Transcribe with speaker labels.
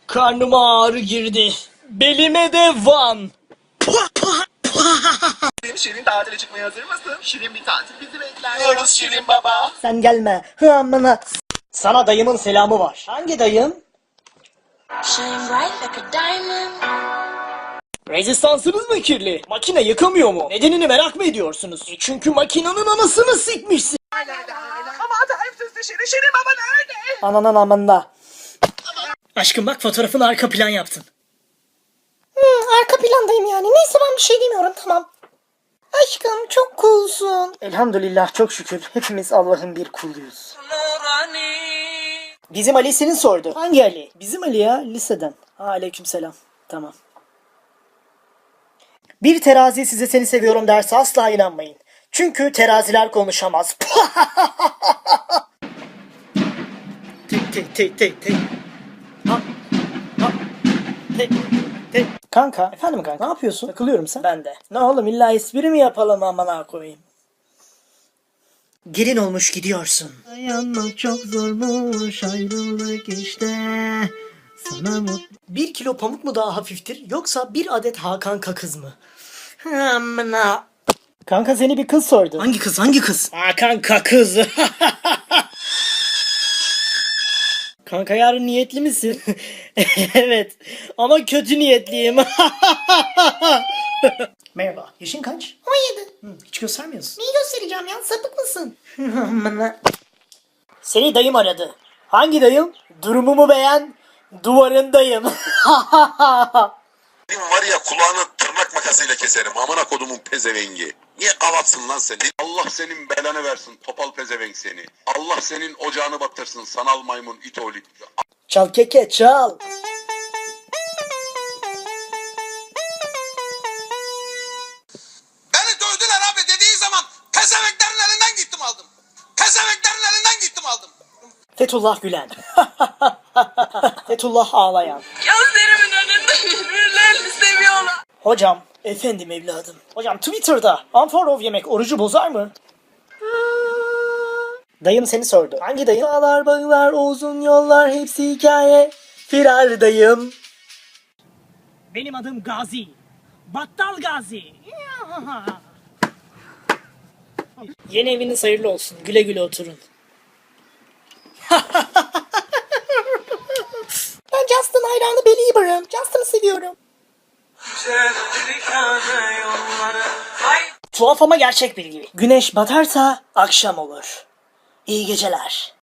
Speaker 1: Karnıma ağrı girdi. Belime de van.
Speaker 2: Şirin tatile çıkmaya hazır mısın? Şirin bir tatil bizi bekliyoruz Şirin baba.
Speaker 1: Sen gelme. Amına. Sana dayımın selamı var. Hangi dayım?
Speaker 3: Shine bright like a diamond.
Speaker 1: Rezistansınız mı kirli? Makine yıkamıyor mu? Nedenini merak mı ediyorsunuz? Çünkü makinenin anasını sikmişsin.
Speaker 2: Ama tarifsiz Şirin baba nerede?
Speaker 1: Ananın amında. Aşkım bak fotoğrafını arka plan yaptın.
Speaker 4: Arka plandayım yani. Neyse ben bir şey demiyorum, tamam. Aşkım çok coolsun.
Speaker 1: Elhamdülillah çok şükür. Hepimiz Allah'ın bir kuluyuz. Bizim Ali senin sordu. Hangi Ali? Bizim Ali ya liseden. Aleykümselam. Tamam. Bir terazi size seni seviyorum derse asla inanmayın. Çünkü teraziler konuşamaz. Tek. Ha, ha, tek. Kanka, efendim kanka, ne yapıyorsun? Takılıyorum sen. Ben de. Ne oğlum illa espri mi yapalım amına koyayım? Gelin olmuş gidiyorsun. Dayanmak çok zormuş ayrılık işte. Sana mut... 1 kilo pamuk mu daha hafiftir yoksa bir adet Hakan Kakız mı? Amına. Kanka seni bir kız sordu. Hangi kız? Hangi kız? Hakan Kakız. Kanka yarın niyetli misin? Evet. Ama kötü niyetliyim. Merhaba. Yaşın kaç?
Speaker 4: 17.
Speaker 1: Hiç göstermiyorsun.
Speaker 4: Neyi göstereceğim ya? Sapık mısın?
Speaker 1: Seni dayım aradı. Hangi dayım? Durumumu beğen. Duvarındayım.
Speaker 5: Benim var ya kulağını tırnak makasıyla keserim. Amına kodumun pezevengi. Niye kavatsın lan seni? Allah senin belanı versin topal pezevenk seni. Allah senin ocağını battırsın sanal maymun it oğlu.
Speaker 1: Çal keke çal.
Speaker 2: Beni dövdüler abi dediği zaman pezevenklerin elinden gittim aldım. Pezevenklerin elinden gittim aldım.
Speaker 1: Fethullah Gülen. Fethullah ağlayan.
Speaker 3: Gözlerimin önünde birbirlerini seviyorlar.
Speaker 1: Hocam. Efendim evladım. Hocam Twitter'da unfollow yemek orucu bozar mı? Dayım seni sordu. Hangi dayım? Dağlar, bağlar, uzun yollar hepsi hikaye. Firar dayım. Benim adım Gazi. Battal Gazi. Yeni eviniz hayırlı olsun. Güle güle oturun.
Speaker 4: Ben Justin hayranı Belieber'ım. Justin'ı seviyorum.
Speaker 1: Tuhaf ama gerçek bilgi. Güneş batarsa akşam olur. İyi geceler.